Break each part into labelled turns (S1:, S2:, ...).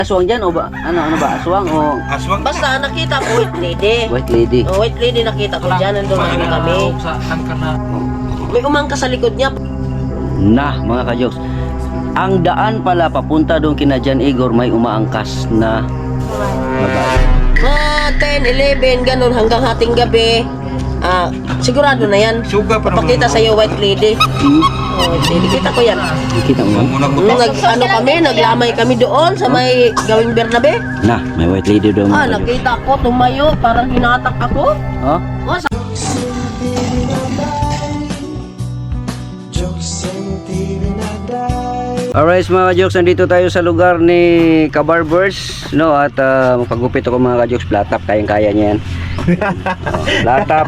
S1: Aswang dyan o ba? Ano ba? Aswang o
S2: Aswang.
S3: Basta nakita ko white lady.
S1: white lady?
S3: Oh, white lady nakita ko dyan. Nandun namin kami. May umangka sa likod niya.
S1: Nah, mga kajoks. Ang daan pala papunta doon kina Jan Igor may umaangkas na babae.
S3: 10, 11, ganun hanggang hating gabi. Sigurado na yan.
S2: Suga pa naman.
S3: Pakita sa'yo white lady. Oh, white lady. Kita ko yan.
S1: Kita mo yan?
S2: Muna ko
S3: Naglamay kami doon sa may gawing Bernabe.
S1: Nah, may white lady doon mga kajoks.
S3: Nakita ko, tumayo, parang hinatak ako.
S1: Oh?
S3: Oh,
S1: Alright mga kajoks, nandito tayo sa lugar ni Kabarbers, no? At magpagupit ako mga kajoks, flat top, kayang-kaya niya yan. Flat top.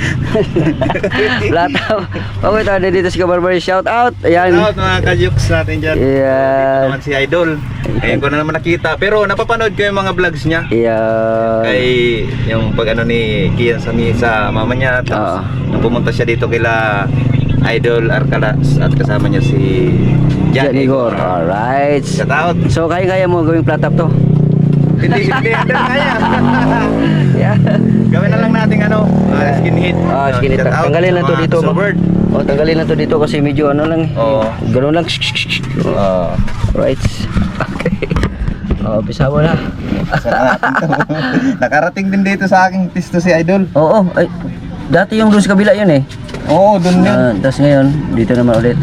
S1: Flat top. Okay, tayo dito si Kabarbers, shout out. Ayan.
S2: Shout out mga kajuks natin dyan.
S1: Ayan.
S2: Naman si Idol. Ngayon ko na naman nakita. Pero napapanood ko yung mga vlogs niya.
S1: Ayan.
S2: Kay yung pag ano ni Kian sa mama niya. Tapos nung pumunta siya dito kila Idol Arcalas at kasama niya si
S1: Jan Igor. Alright.
S2: Shout out.
S1: So kaya-kaya mo gawing flat top to?
S2: Hindi kaya.
S1: Yeah.
S2: Gawin na lang natin ano, skin hit.
S1: Skin hit.
S2: Shout out
S1: Tanggalin lang
S2: sa
S1: to
S2: mga
S1: dito.
S2: Gusto Bird.
S1: Oh, tanggalin lang to dito kasi medyo ano lang.
S2: Oo.
S1: Ganun lang. Right. Okay. Oh, pisa mo na.
S2: Nakarating din dito sa aking pisto si Idol.
S1: Oo. Ay, dati yung doon sa kabila yun eh.
S2: Oo, doon yun.
S1: Tapos ngayon, dito naman ulit.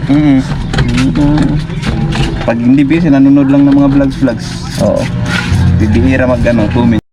S2: Pag hindi busy, nanonood lang ng mga vlogs.
S1: Oo.
S2: Bibihira mag-ano, 2 minutes.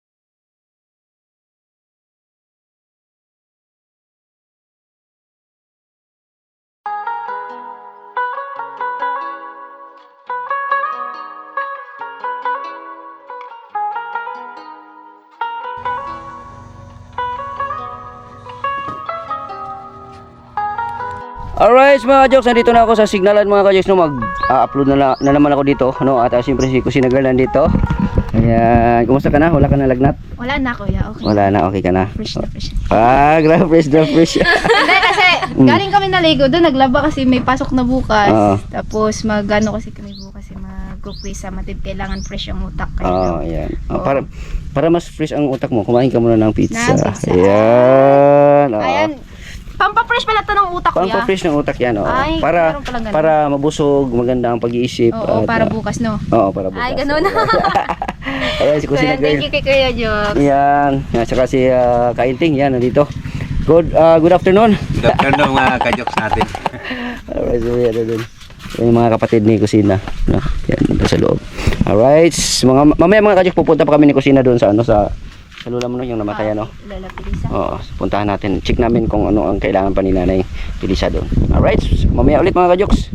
S1: Alright mga kajoks, nandito na ako sa signalan mga kajoks, no, mag-upload na naman ako dito, no, at siyempre si Kusina Girl nandito. Ayan, kumusta ka na? Wala ka na lagnat?
S4: Wala na kuya, okay.
S1: Wala na, okay ka na?
S4: Fresh na fresh.
S1: Grabe, fresh na fresh.
S4: Hindi kasi galing kami naligo doon, naglaba kasi may pasok na bukas.
S1: Oo.
S4: Tapos mag-ano kasi kami bukas, mag-quiz sa matib, kailangan fresh ang utak
S1: Oo,
S4: kayo.
S1: ayan. Para mas fresh ang utak mo, kumain ka muna ng pizza.
S4: Na pizza.
S1: Ayan. Oo.
S4: Ayan, pampa-fresh pala to ng utak kuya.
S1: Pang-fresh ng utak yan, oo.
S4: Ay,
S1: Para
S4: meron palang ganun.
S1: para mabusog, maganda ang pag-iisip.
S4: Oo,
S1: at,
S4: para bukas no.
S1: Oo, para bukas.
S4: Ay, ganun.
S1: Ayan, si Kusina
S4: Ayan, thank
S1: Girl.
S4: you kay Kuya Jok.
S1: Yan, at saka si Kainting, yan, nandito. Good afternoon.
S2: Good afternoon mga kajoks natin.
S1: Alright, so yan na dun. Yan yung mga kapatid ni Kusina. No? Yan, dito sa loob. Alright, mamaya mga kajok, pupunta pa kami ni Kusina doon sa sa lula mo no, yung namatay ano.
S4: Lola Pilisa.
S1: Oo, puntahan natin. Check namin kung ano ang kailangan pa ni Nanay Pilisa doon. Alright, mamaya ulit mga kajoks.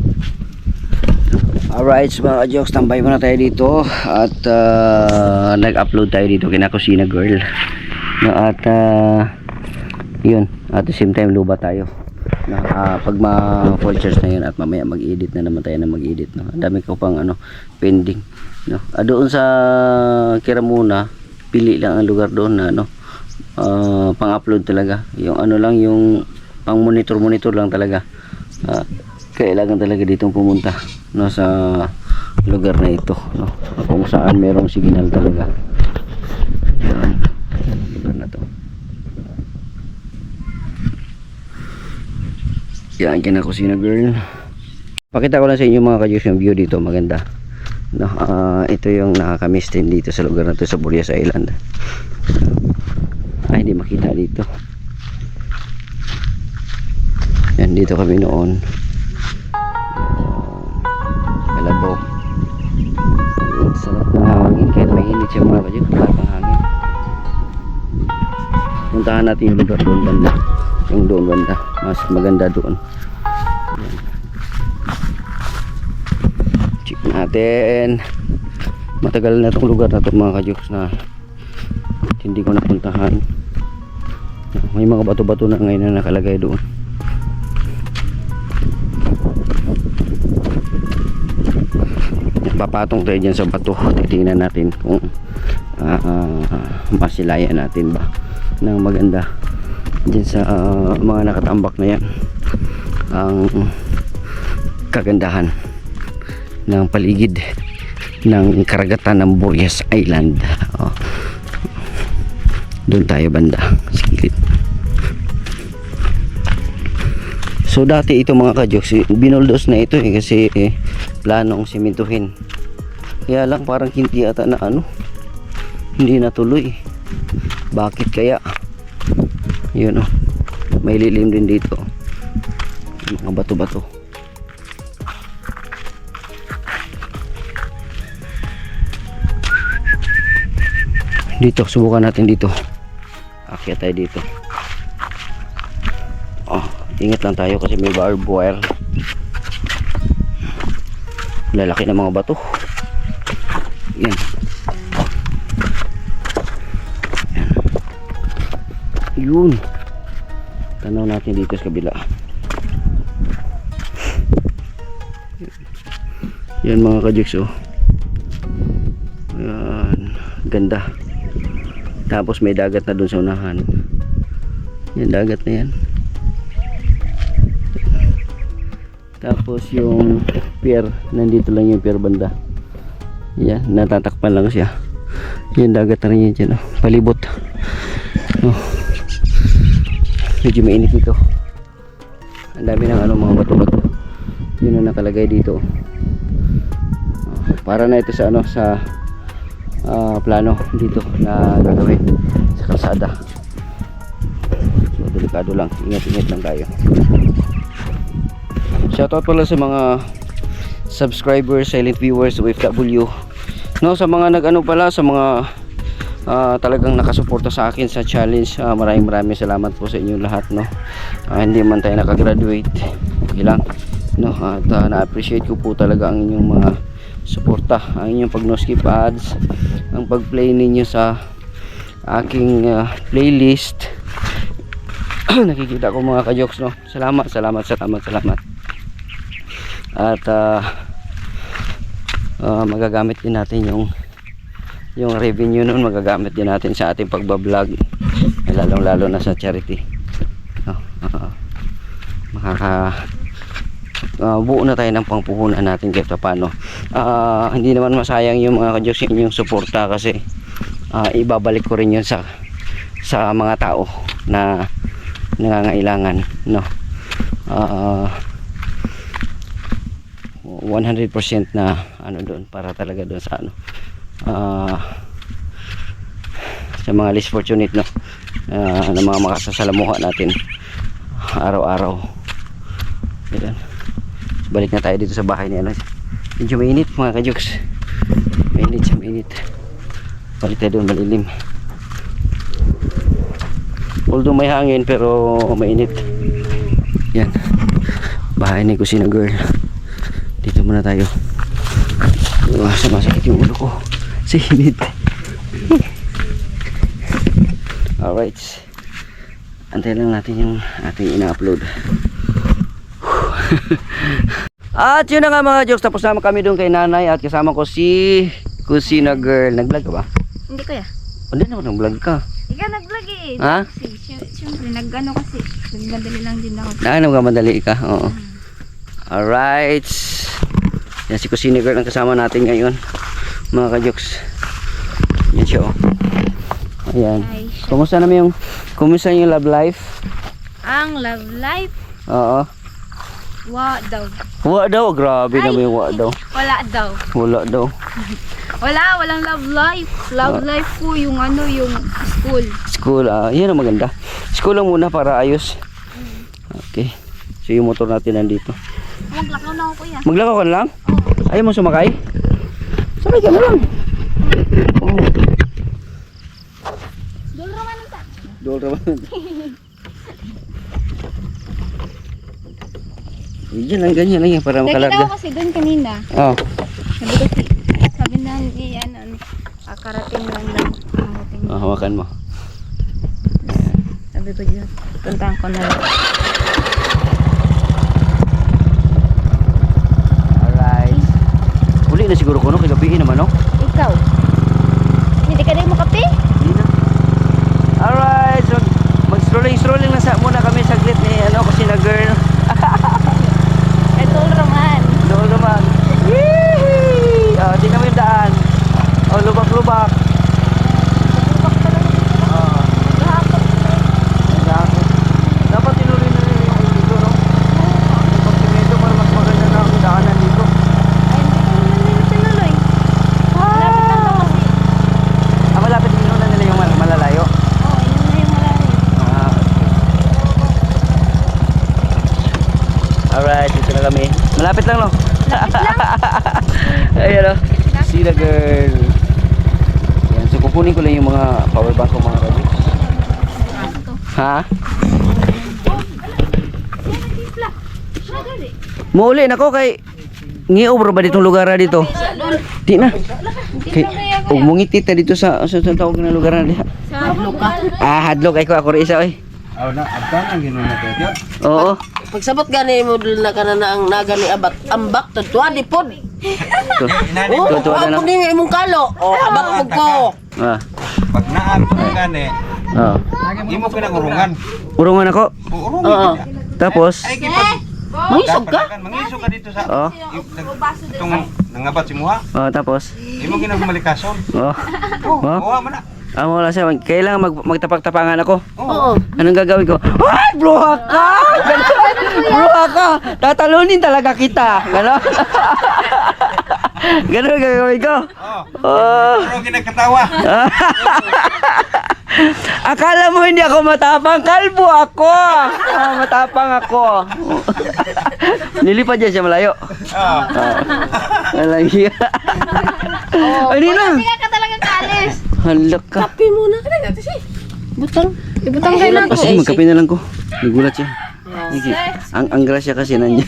S1: Alright, mga kajoks, tambay muna tayo dito at nag-upload tayo dito kina Kusina Girl. No, at yun, at the same time luba tayo. No, pag ma-full charge na yun at mamaya mag-edit na naman tayo na mag-edit. No? Ang dami ko pang pending. No? Doon sa Kiramuna, pili lang ang lugar doon na pang-upload talaga. Yung lang, yung pang-monitor lang talaga. Kailangan talaga ditong pumunta, no, sa lugar na ito, no, kung saan merong signal talaga. Yan, lugar na to. Yan, kina Kusina Girl. Pakita ko lang sa inyo mga kajuks yung view dito, maganda. No, ito yung nakakamiss din dito sa lugar na to, sa Burias Island. Ay, hindi makita dito. Yan, dito kami noon. Kalabo. Sarap ng hangin, kahit may init siya mga kajuks, sarap ng hangin. Puntahan natin yung lugar doon banda. Yung doon banda, mas maganda doon. Check natin. Matagal na itong lugar na ito mga kajuks na hindi ko napuntahan. May mga bato-bato na ngayon na nakalagay doon. Papatong tayo dyan sa bato. Titingnan natin kung masilayan natin ba ng maganda dyan sa mga nakatambak na yan ang kagandahan ng paligid ng karagatan ng Boreas Island. Oh. Doon tayo banda sa gilid. So dati ito mga kajoks, binuldos na ito kasi planong simentuhin. Kaya lang parang hindi ata na hindi natuloy. Bakit kaya? Yun may lilim din dito. Mga bato-bato. Dito, subukan natin dito. Akyat tayo dito. Ingat lang tayo kasi may barbed wire. Lalaki ng mga bato. Yan. Yan. Yun. Tanaw natin dito sa kabila. Yan mga kajiks Yan. Ganda. Tapos may dagat na dun sa unahan. Yan, dagat na yan. Tapos yung pier, nandito lang yung pier banda. Yan, natatakpan lang siya. Yan, dagat na rin yan dyan. Palibot. Medyo mainit dito. Ang dami ng mga bato-bato. Yun ang nakalagay dito. Para na ito sa sa plano dito na gagawin sa kalsada. So delikado lang, ingat-ingat lang tayo. Shoutout pala sa mga subscribers, silent viewers, OFW. No, sa mga pala sa mga talagang nakasuporta sa akin sa challenge. Maraming salamat po sa inyong lahat, no. Hindi man tayo nakagraduate, okay lang, no. At na-appreciate ko po talaga ang inyong mga suporta, ang inyong pag-no-skip ads, ang pag-play ninyo sa aking playlist. Nakikita ko mga kajoks, no. Salamat. At magagamit din natin yung revenue nun, magagamit din natin sa ating pagbablog, lalong-lalo na sa charity. Buo na tayo ng pangpuhunan natin kahit paano. Hindi naman masayang yung mga kajoks yung suporta kasi ibabalik ko rin yun sa mga tao na nangangailangan, no. 100% na doon para talaga doon sa sa mga less fortunate, no, na mga makasasalamuha natin araw-araw. Yan. Balik na tayo dito sa bahay ni medyo mainit mga kajoks, mainit. Balik tayo doon, malilim, although may hangin pero mainit. Yan, bahay ni Kusina Girl. Dito muna tayo. Sumasakit yung ulo ko sa init. Alright, antayin lang natin yung ating ina-upload. At yun na nga mga jokes, tapos naman kami doon kay nanay at kasama ko si Kusina Girl. Nag-vlog ka ba?
S4: Hindi kuya.
S1: Hindi naman nag-vlog ka.
S4: Ikaw nag-vlog eh.
S1: Ha?
S4: Siyempre, kasi. Nagmadali lang din ako.
S1: Nagmadali ka? Oo. Alright. Yan si Kusina Girl ang kasama natin ngayon mga kajoks. Yan siya Ayan. Kumusta naman kumusta yung love life?
S4: Ang love life?
S1: Oo. Wa daw, grabe naman yung wa daw.
S4: Wala daw. Walang love life. Love life po yung yung school.
S1: School, yan ang maganda. School lang muna para ayos. Okay. So yung motor natin nandito.
S4: Maglakaw na ako kuya.
S1: Maglakaw ka na lang? Ayaw mo sumakay? Sakay ka na lang. Dol raman. Ganyan lang yan para makalarga.
S4: Nakita ko kasi doon kanina.
S1: Oo.
S4: Sabi na karating lang.
S1: Hawakan mo.
S4: Sabi ko dyan, puntahan ko na lang.
S1: Alright. Uli na siguro ko, no? Kagabihin naman, no?
S4: Ikaw? Hindi ka rin makape?
S1: Hindi na. Alright. So, mag-strolling lang muna kami saglit ni Kusina Girl.
S4: Dol Roman.
S1: Yee! Tingnan mo yung daan. Puro bak. Dapat tinuloy na nila yung dito, no? Yung pagsimento para mas maganda na ang daanan dito. Malapit din na nila yung malalayo. Ah, alright, dito na kami. Malapit lang, no? Ayan, no? See the girl. Yan, so kukunin ko lang yung mga power bank ko, mga kabis. Ha? Mauli na ko kay ngiobro ba ditong lugar na dito? Di na. Kay ug mungiti ta dito sa tawag na lugar na diha. Hadlok ay ko ako rin isa oy.
S2: Aw na abtan ang ginuna tayo.
S1: Oo.
S3: Pagsabot gani mo dul na kana na ang nagani abat ambak tuwa di pod. Oh,
S1: Tuwa na
S3: ako
S1: lang.
S3: ni imong kalo. Oh, abak pug ko.
S1: Ah.
S2: Pag naab ko gani,
S1: Oo.
S2: imo pinangurungan.
S1: Urungan ako.
S3: Oo.
S2: Urungan.
S1: Tapos
S2: Ay kipag
S3: Mangisog ka?
S2: mangisog ka dito sa
S1: oh.
S2: itong nangabat si Muha.
S1: Oh, tapos.
S2: Imo ginagmalikason.
S1: Oh.
S2: Oh,
S1: Oh.
S2: Muha man na.
S1: Amo wala siya. Kailangan magtapak-tapangan ako.
S3: Oo.
S1: Anong gagawin ko? Ay, bruha ka! Bruha ka! Tatalunin talaga kita. Gano'n? Gano'n ang gagawin ko? Oh.
S2: Pero ginagkatawa.
S1: Akala mo hindi ako matapang? Kalbo ako! Matapang ako. Nilipad dyan siya malayo.
S2: Oh.
S1: Walang hiya. Ay, hindi lang.
S4: Hindi ka talagang kaalis.
S1: Halak ka.
S3: Kapi muna. Butang.
S4: Ibutang kayo na
S1: Kasi magkape na lang ko. Nagulat siya. Sige. Ang grasya kasi nandiyan.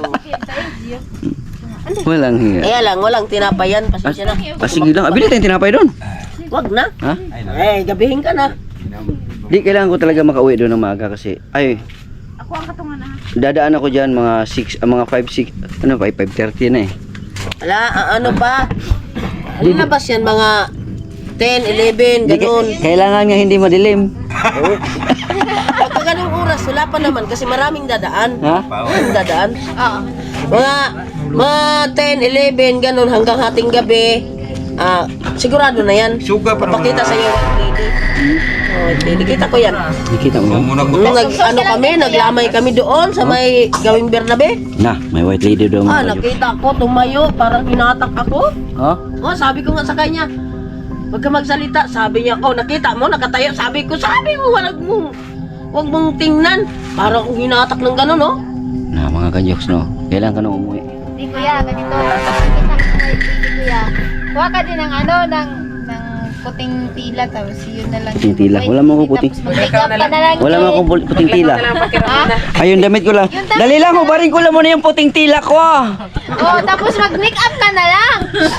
S1: Walang hiya.
S3: Kaya lang, walang tinapayan. Pasensya na.
S1: Sige lang. Abili tayong tinapay doon.
S3: Wag na.
S1: Ha?
S3: Eh, gabihin ka na.
S1: Di kailangan ko talaga makauwi doon ng maaga kasi ay
S4: Ako ang katungan na.
S1: dadaan ako diyan mga 6 mga 5 6 ano 5:30 na eh.
S3: Ala, ano pa? Alin na ba yan? Mga 10, 11,
S1: Di,
S3: ganun.
S1: kailangan nga hindi madilim.
S3: Pagka ganung oras, wala pa naman kasi maraming dadaan.
S1: Ha?
S3: Maraming dadaan.
S4: Oo.
S3: Mga 10, 11, ganun hanggang hating gabi. Sigurado na yan.
S2: Suga pa naman.
S3: Pakita sa iyo. Oh, lady, kita ko yan.
S1: Nakita mo.
S2: Muna ko.
S3: Ano kami, naglamay kami doon sa may gawing Bernabe.
S1: Na, may white lady doon.
S3: Nakita ko, tumayo, parang hinatak ako.
S1: Ha?
S3: Oh, sabi ko nga sa kanya, wag ka magsalita. Sabi niya, oh, nakita mo, nakatayo. Sabi mo, wag mong tingnan. Parang akong hinatak ng gano'n, no?
S1: Na mga kanyoks no. Kailangan ka na umuwi.
S4: Di kuya, ganito. Kita ko kay kuya. Kuha ka din ng ng puting tila tapos yun na lang.
S1: Puting tila? Wala mo ako puting.
S4: Tapos mag-make up ka na lang.
S1: Wala mo akong puting tila.
S4: Ha?
S1: Ayun, damit ko lang. Dali lang, hubarin ko lang muna yung puting tila ko.
S4: Oh, tapos mag-make up ka na lang.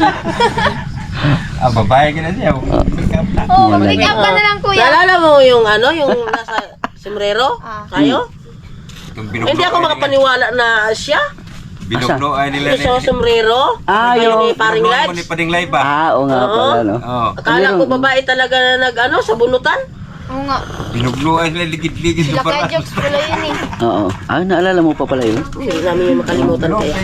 S2: Babae ka na siya. Make-up na.
S4: Oh, mag-make up ka na lang kuya.
S3: Naalala mo yung yung nasa sombrero? Kayo?
S2: Yung
S3: Hindi ako makapaniwala na siya.
S2: Binuglo ay nila
S3: Yung sa sombrero.
S1: Yung...
S3: Ni Paring
S2: Binuglo mo
S3: Lights.
S2: ni Pading Live ba?
S1: Oo nga pala, no?
S2: Oo.
S3: Akala ko babae talaga na sa bunutan.
S4: Oo nga.
S2: Binuglo ay sila ligid-ligid.
S4: Sila kaya jokes pala yun eh.
S1: Oo. Naalala mo pa pala yun?
S3: Hindi namin yung makalimutan kaya.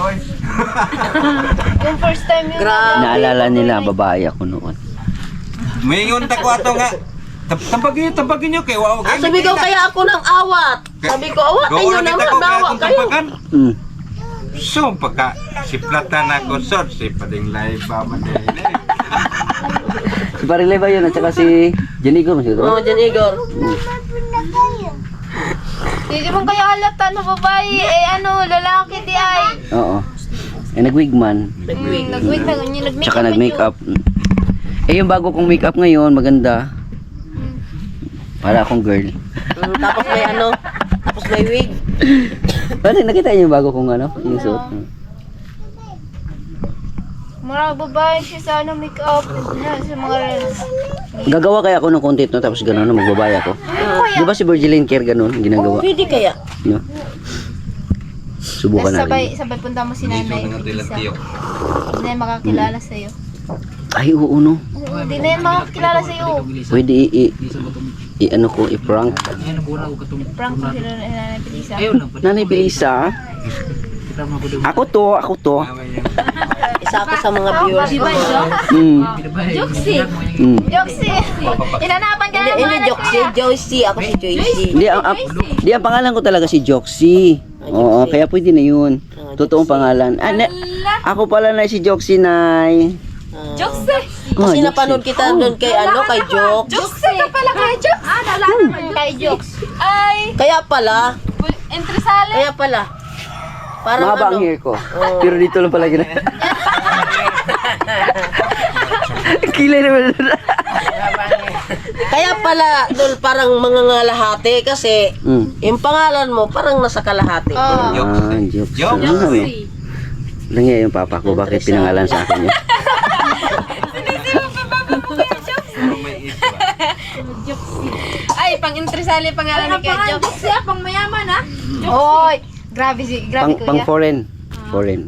S4: Yung first time yun.
S3: Grabe.
S1: Naalala nila, babae ako noon.
S2: May ngunta ko ato nga. Tabagin nyo kay wow.
S3: Sabi ko kaya ako ng awat. Sabi ko, awatin nyo naman, nawa kayo.
S1: Hmm.
S2: So, pagka si Platan ako, sir, si Pading Live ba man din.
S1: Si Parilay ba yun? At saka si Janigo mo siguro?
S3: Oo, Jan Igor.
S4: Hindi mo kaya halata no babae. Lalaki di ay.
S1: Oo. Nag-wigman.
S4: Nag-wait na ganyan. Nag-make
S1: Tsaka
S4: up
S1: nag-makeup. Yung bago kong makeup ngayon, maganda. Para akong girl.
S3: Tapos may tapos may wig.
S1: Ano, nakita niyo yung bago kong yung suot?
S4: Mga babae siya sa make-up. Sa mga
S1: Gagawa kaya ako ng content, no? Tapos gano'n, magbabaya ako. Di ba si Virgilin Care gano'n, ginagawa?
S3: Pwede kaya.
S1: No? Subukan natin.
S4: sabay punta mo si nanay. Hindi na yan makakilala sa'yo.
S1: Ay, oo, no?
S4: Hindi na yan makakilala sa'yo.
S1: Pwede i-prank.
S4: Prank mo sila na Nanay Pilisa.
S1: Nanay Pilisa, Ako to.
S3: Isa ako sa mga viewers ko.
S1: Mm.
S4: Joksi.
S1: Mm.
S4: Joksi. Inanapan ka
S3: Hindi,
S4: naman.
S3: hindi Joxy. Joycey. Ako si Joycey.
S1: Di ang pangalan ko talaga si Joxy. Oo, kaya pwede na yun. Totoong pangalan. Ako pala na si Joxy, Nay.
S4: Joksi.
S1: Oh,
S3: Kasi
S1: Joxy.
S3: napanood kita doon kay kay Jox.
S4: Joksi ka pala kay Joks. Nalala ka kay Joks. Ay,
S3: Kaya pala.
S4: entresale.
S3: Kaya pala. Parang
S1: Mahaba ang hair ko. Pero dito lang pala gina. Kilay naman.
S3: Kaya pala doon parang mga ngalahati kasi yung pangalan mo parang nasa kalahati.
S4: Oh.
S1: Jokes.
S2: Jokes.
S1: Ano? Langya yung papa ko. Bakit pinangalan sa akin yun?
S4: Ay, pang entresale pangalan ni kay Joks. Siya pang mayaman ha. Oy, grabe
S1: Pang
S4: kuya.
S1: foreign. Foreign.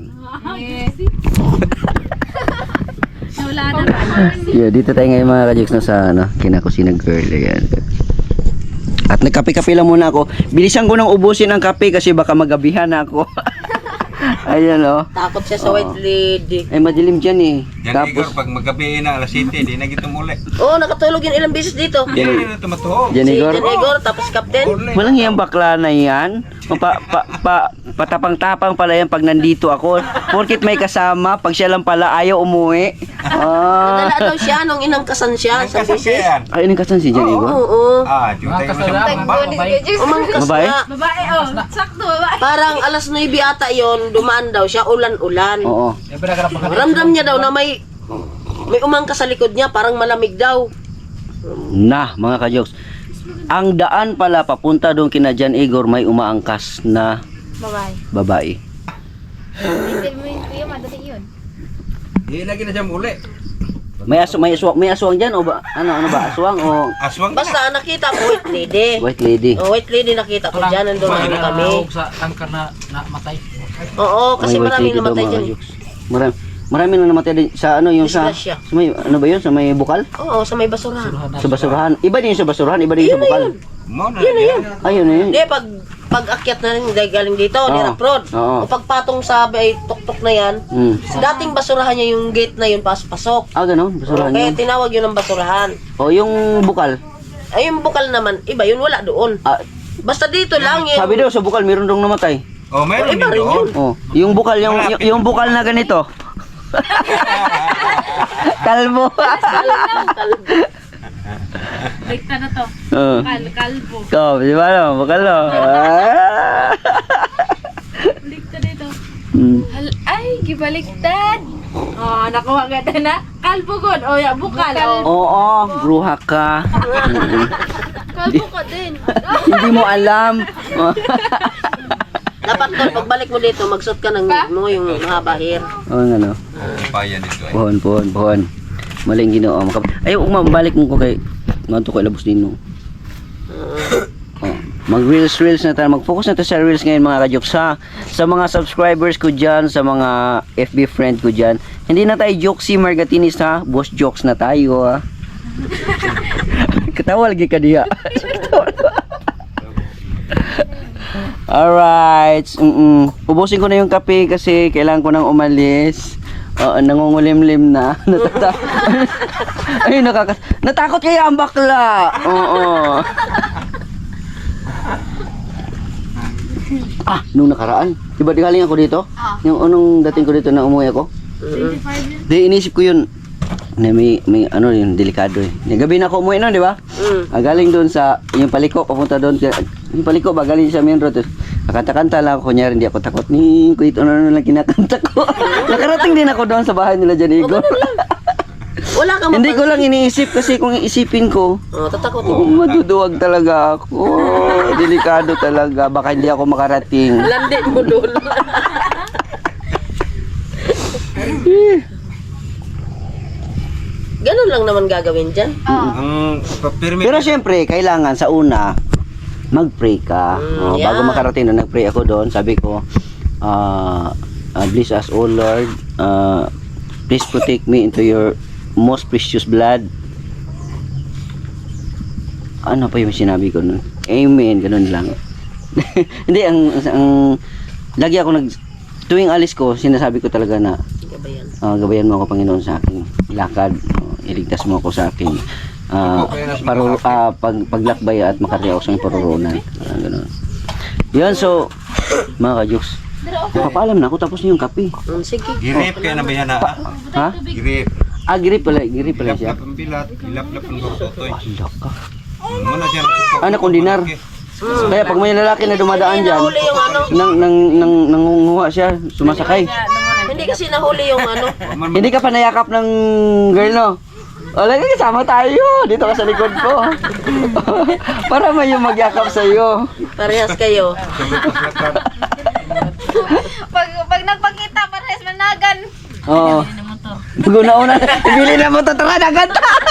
S4: Wala na.
S1: Yeah, dito tayo ngayon mga ka-Jokes na sa kinakusina girl. Ayan. At nagkape-kape lang muna ako. Bilisan ko nang ubusin ang kape kasi baka magabihan na ako. Ayan oh.
S3: Takot siya sa white lady.
S1: Ay madilim dyan eh.
S2: Yan Igor, pag magabi na alas 7, di na kita muli.
S3: Oo, nakatulog yun ilang beses dito.
S2: Yan na tumatuhog.
S1: Dyan
S3: Si
S1: Igor.
S3: Jan Igor, tapos Captain.
S1: Walang hiyang bakla na yan. Patapang-tapang pala yan pag nandito ako. Porkit may kasama, pag siya lang pala ayaw umuwi. Ah.
S3: Nadala daw siya nung inangkasan siya sa beses.
S2: Kasakyan.
S1: Ay, kasan si Jan Igor?
S3: Oo.
S2: Ah, jutay mo sa pambak.
S3: Umangkas
S1: Babae?
S3: nga.
S4: Babae, oh. Sakto, babae.
S3: Parang alas 9 ata yon, dumaan daw siya, ulan-ulan.
S1: Oo.
S3: Ramdam niya daw na may umangkas sa likod niya, parang malamig daw.
S1: Na, mga ka-Jokes. Ang daan pala papunta doon kina Jan Igor may umaangkas na
S4: Babae.
S1: babae.
S4: Hindi mo yun, kuya, madali yun.
S2: Di lagi na siya muli.
S1: May aswang diyan o ba ano ba aswang o
S2: Aswang ka na.
S3: Basta nakita ko white lady.
S1: white lady?
S3: Oh, white lady nakita ko dyan, nandun na kami.
S5: sa tangkar na matay.
S3: Oo, kasi
S1: May white
S3: maraming
S1: lady daw,
S3: namatay
S1: mga
S3: dyan.
S1: ka-Jokes. Marami nang namatay din sa ano yung sa
S3: Disgrasya.
S1: may ano ba yun sa may bukal?
S3: Oo, sa may basurahan.
S1: Sa basurahan. Iba din yung sa basurahan, iba din yung sa bukal.
S2: Mo na yan.
S1: Ayun na yun.
S3: Hindi, pag akyat na rin dahil galing dito,
S1: Oo.
S3: niraprod.
S1: Oo.
S3: O pagpatong sa ay tuktok na yan,
S1: Mm.
S3: sa dating basurahan niya yung gate na yun, pasok.
S1: Ah, ganun, basurahan
S3: Kaya
S1: yun.
S3: tinawag yun ng basurahan.
S1: O yung bukal.
S3: Ay, yung bukal naman, iba yun, wala doon.
S1: Ah,
S3: Basta dito lang yun.
S1: sabi daw sa bukal meron dong namatay.
S2: Oh, meron
S3: Iba
S2: din
S3: rin
S2: doon.
S1: Oh, yung bukal yung bukal na ganito. Kalbo.
S4: Bigta na to.
S1: Oh.
S4: Kalbo.
S1: Ikaw, di ba no? Bukal no? Ah.
S4: Bigta dito.
S1: Mm.
S4: Ay, gibaliktad. Oh, nakuha ka na. Kalbo god. Oh, ya, bukal.
S1: Oo, bruha ka. Mm.
S4: Kalbo ka din.
S1: Hindi mo alam.
S3: Dapat tol, pagbalik mo dito, magsuot ka ng mo yung mahaba hair.
S1: Oo nga no.
S2: Payan dito eh.
S1: Pohon. Maling Ginoo. Ay, mabalik mo ko kay nganto ko labos din no. Oh, mag-reels na tayo. Mag-focus na tayo sa reels ngayon mga ka-Jokes ha. Sa mga subscribers ko dyan, sa mga FB friend ko dyan. Hindi na tayo Jokesy Margatinis ha. Boss Jokes na tayo ha. Katawa lagi ka diya. Alright. Ubusin ko na yung kape kasi kailangan ko nang umalis. Nangungulimlim na. Ay, natakot kaya ang bakla. Oo. Nung nakaraan. Diba di galing ako dito? Yung unong dating ko dito na umuwi ako? Di inisip ko yun. Na may ano yun, delikado eh. Gabi na ako umuwi nun, di ba? Galing doon sa, yung paliko, papunta doon. Yung paliko ba, galing sa main road. Kakanta-kanta lang ako, kunyari hindi ako takot. Kuit ano lang kinakanta ko. Nakarating din ako doon sa bahay nila dyan, Igor.
S3: Wala ka
S1: Hindi ko lang iniisip kasi kung iisipin ko,
S3: tatakot
S1: maduduwag talaga ako. Delikado talaga. Baka hindi ako makarating.
S3: Landi mo doon. Ganun lang naman gagawin dyan.
S2: Ang permit.
S1: Pero syempre, kailangan sa una, mag-pray ka. Bago
S3: yeah.
S1: makarating na nag-pray ako doon, sabi ko, bless us, O Lord. Please protect me into your most precious blood. Ano pa yung sinabi ko nun? Amen, ganun lang. Hindi, ang lagi ako tuwing alis ko, sinasabi ko talaga na
S3: Gabayan.
S1: gabayan mo ako Panginoon sa aking lakad. Iligtas mo ako sa aking paglakbay at makarating ako sa iyong paruroonan. Ganun. Yan, so, mga ka-jokes, napapaalam na ako tapos na yung kape.
S3: Sige.
S2: Girip kaya na bayan na.
S1: Ha?
S2: Girip.
S1: Girip pala siya.
S2: Ang bilat, ilap-lap ang totoy.
S1: Ala ka.
S2: Muna siya nasusuko.
S1: Anak kong dinar. Kaya pag may lalaki na dumadaan dyan,
S3: Nahuli yung ano.
S1: nangunguha siya, sumasakay.
S3: Hindi kasi nahuli yung ano.
S1: Hindi ka pa nayakap ng girl, no? Wala ka, kasama tayo. Dito ka sa likod ko. Para may yung magyakap sa'yo.
S3: Parehas kayo.
S4: Pag nagpakita, parehas managan.
S1: Oo. Pag-una-una, ibili na mo ito, tara, dagat.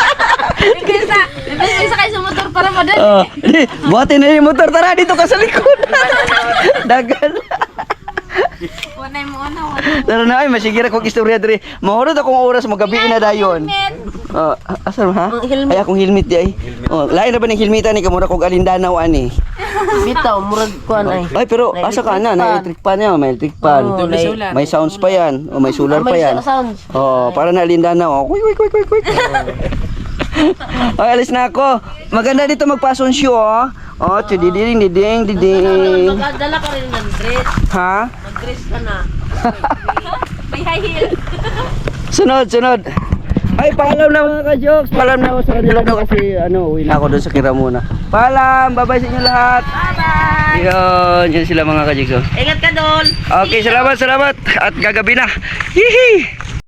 S4: Isa kayo sa motor para madali.
S1: Buhatin na yung motor, tara, dito ka sa likod. Dagat.
S4: Wanay mo una.
S1: Tara na, ay, masigira kong istorya diri. Mahurot akong oras, magabi na dayon. Asa ha? Ay, akong helmet di ay. Lain na ba ng helmetan ni kamura kong alindanaw ani?
S3: Bitaw, murag kuan ay.
S1: Ay, pero asa ka na? Na electric pan yan, may electric pan. May sounds pa yan. O may solar pa yan.
S3: Sounds.
S1: Para na alindanaw. Kuy. Ay, alis na ako. Maganda dito magpa-sound show, oh. Diding.
S3: Magdala ka rin ng dress.
S1: Ha?
S3: Mag-dress ka na.
S4: May high heel.
S1: Sunod. Ay, paalam na mga ka-jokes. Paalam na ako sa kanila daw kasi uwi na ako doon sa Kiramuna. Paalam, bye-bye sa inyo lahat.
S3: Bye-bye.
S1: Yan sila mga ka-jokes.
S3: Ingat ka doon.
S1: Okay, salamat. At gagabi na. Hihi!